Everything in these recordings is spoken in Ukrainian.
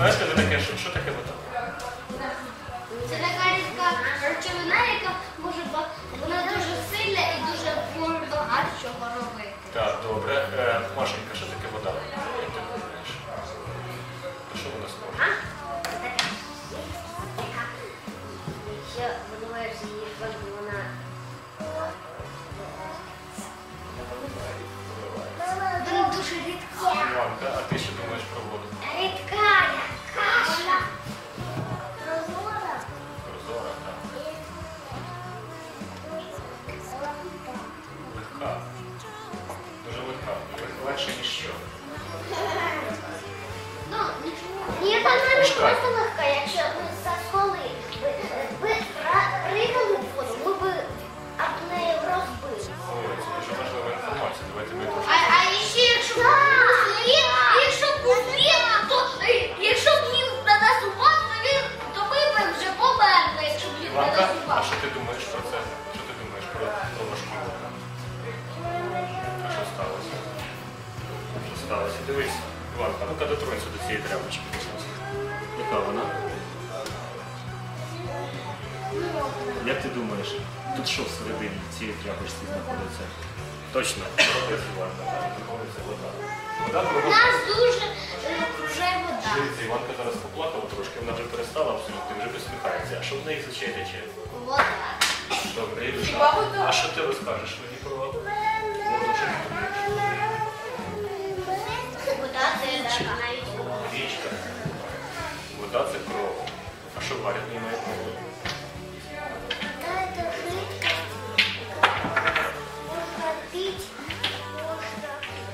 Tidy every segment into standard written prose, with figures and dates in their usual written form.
Знаєте, ви таке, що таке вода? Це така рідка речовина, яка може вона дуже сильна і дуже багато чого робити. Так, добре. Машенька, що таке вода? Як ти думаєш? Що вона схожа? Якщо видуваєш її воду, вона... Вона дуже рідка. Іванка, а ти що думаєш про воду? Рідка, каша. Прозора, так. Легка. Дуже легка. Легше, ніж що. Ну, ні, вона не просто легка, якщо ми засоли пригали в воду, ми б об неї розбили. Ой, це дуже важлива інформація. Давайте ми трошки. А ще якщо був лід, то якщо б лід на нас упав, то ми б вже померли, якщо б лід на Іванка, нас а упав. що ти думаєш про це? Що ти думаєш про ложки вода? А що сталося? Що сталося? Дивись, Іванка, ну-ка дотронься до цієї тряпочки. Яка вона? Як ти думаєш, тут що всередині цієї тряпочці знаходиться? Точно, Іванка, там знаходиться вода. Вода кругом. Нас дуже окружає вода. Дивіться, Іванка зараз поплакала трошки, вона вже перестала абсолютно, вже посміхається. А що в неї за чай тече? Вода. Добре, Ілюша, а що ти розкажеш мені про воду? Що ти думаєш? Вода це навіть Річка. Вода це кров. А що варять в ній має кров? это жидкость. Можно пить, можно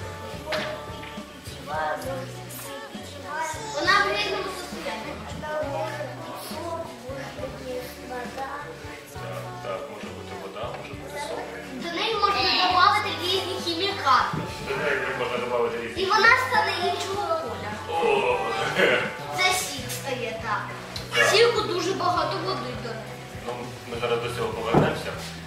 пить воду. Вона в рідному состоянии. Она может быть сок, может быть вода. Так, може бути вода, може бути сок. До неї можна додати різні хімікати. До неї можна додати різні. І вона стане іншого кольору. О! Це сік стає так. Сіку дуже багато води до неї. Ну, ми зараз до цього повернемося.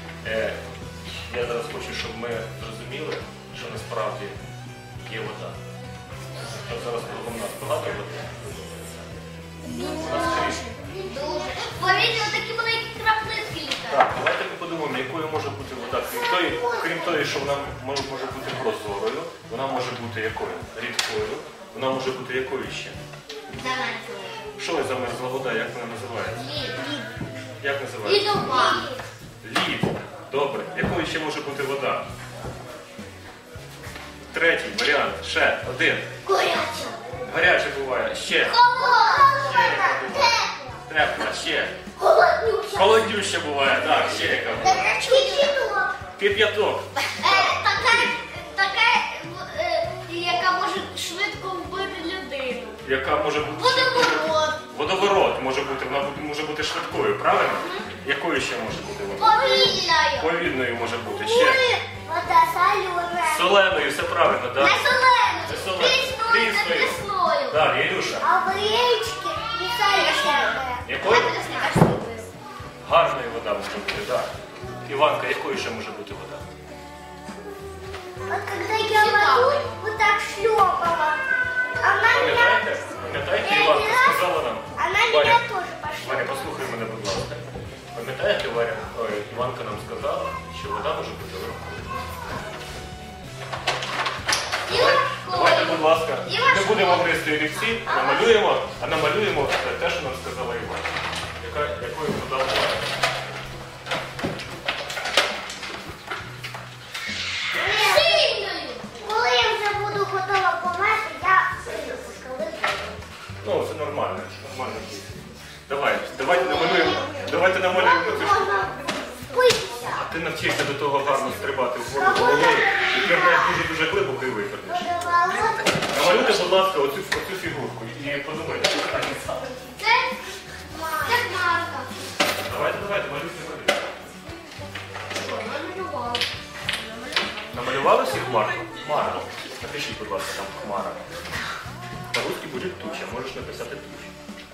Я зараз хочу, щоб ми зрозуміли, що насправді є вода. От зараз кругом нас багато води. У нас скрізь. Дуже. Повірте, такі маленькі краплинки літають. Так, давайте ми подумаємо, якою може бути вода. Крім того, що вона може бути прозорою, вона може бути якою? Рідкою. Вона може бути якою ще? Замерзли. Що замерзла вода, як вона називається? Лід. Як називається? Лідова. Лід. Добре. Якою ще може бути вода? Третій варіант. Ще один. Горяча. Гаряче буває. Ще. Холодна. Тепла. Ще. Холоднюча. Холоднюща буває. Так, ще яка буває. Кипяток. Кип'яток. Така, яка може швидко вбити людину. Яка може бути? Водоворот. Водоворот може бути. Вона може бути швидкою, правильно? Якою ще може бути вода? Повільною. Повільною може бути. Ще. Вода солена. Соленою, все правильно, так? Не соленою. Не соленою. Кисною, не кислою. Так, Ілюша. А в річці не соленою. Якою? Гарною вода може бути, так. Іванка, якою ще може бути вода? Вот когда я воду вот так шлепала, она Пам'ятаєте? Пам'ятаєте, Іванка сказала нам? Она Варя, меня тоже пошла. Варя, послухай мене, будь ласка. Пам'ятаєте, Варя, Іванка нам сказала, що вода може бути легкою. Давайте, будь ласка, не будемо гризти олівці, намалюємо, а намалюємо те, що нам сказала Іванка. Якою вода буває? Сильною. Коли я вже буду готова померти, я прийду з скали. Ну, це нормально, нормально. Давайте намалюємо цю штуку. Можна впитися. А ти навчишся до того гарно стрибати в воду головою і пірнеш дуже глибоко і випірнеш. Намалюйте, будь ласка, оцю фігурку і подумайте. Це хмарка. Давайте, малюйте. Намалювали всі хмарку? Хмара. Напишіть, будь ласка, там хмара. По-русски буде туча, можеш написати туча.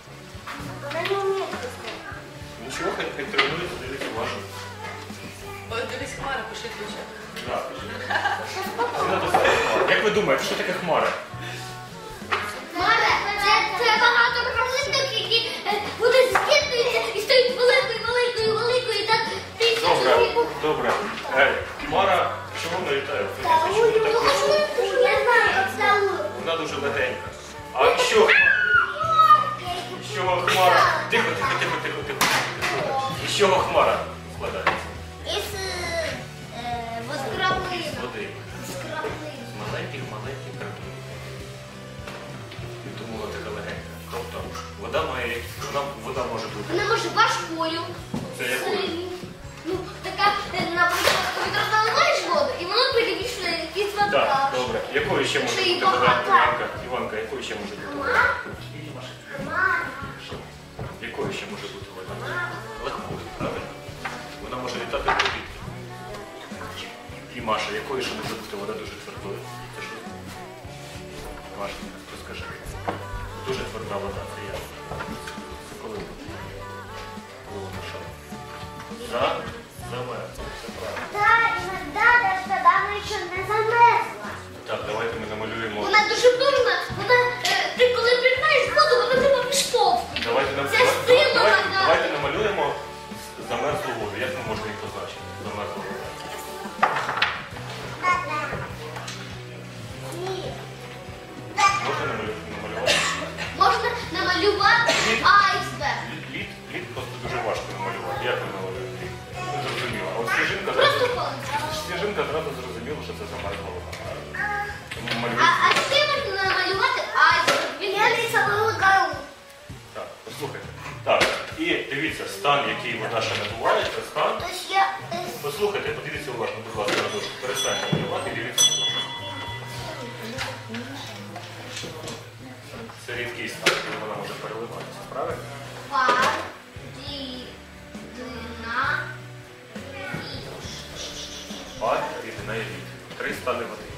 Нічого, хай тренується, дивіться вашу. Дивись, хмара, пиши туча. Як ви думаєте, що таке хмара? Хмара, це багато Добре. Хмара, чого вона літає? Чому Ну, так вийшло? я знаю, как зовут. Вона дуже легенька. А що хмара? Тихо, тихо, тихо, тихо, тихо. І з чого хмара складається? Из краплин. З води. Из краплин. З маленьких краплин. І тому вона така легенька. Тобто вода може бути. Вона може важкою. Це якою? сильною. Ну, така, наприклад, коли розналиваєш воду, і воно перемішує якісь вода. Так, добре. Якою ще може Ще й бути багато. вода? Іванка, якою ще може бути вода? Якою ще може бути вода? Легкою, правильно? Вона може літати в повітрі. І Маша, якою ще може бути вода дуже твердою? Це що? Маша, розкажи. Дуже тверда вода, це я. Це коли буде? Коли вона що? Замерзла, це правильно. Да, иногда даже тогда она еще не замерзла. Так, давайте ми намалюємо. Вона дуже дурна. Вона, ти коли приймаєш воду, вона тебе підштовхує. Це сила вода. Давайте намалюємо замерзлу воду. Як ми можемо її позначити? Замерзлу воду. Можна намалювати? Можна намалювати айсберг. Лід просто дуже важко намалювати. Як ми намалюємо лід? Не зрозуміло. А от Просто палець. сніжинка зразу зрозуміла, що це замерзла вода. Тому А малюємо. ще можна намалювати айсберг. Він лісовий гору. Так, послухайте. Так, і дивіться, стан, який вода ще набуває, це стан. Тож я... Послухайте, подивіться уважно, будь ласка, на дошку. Перестаньте малювати і дивіться на дошку. Це рідкий стан, коли вона може переливатися, правильно? Пар, дина, Пар, рідина і лід. Три стани води.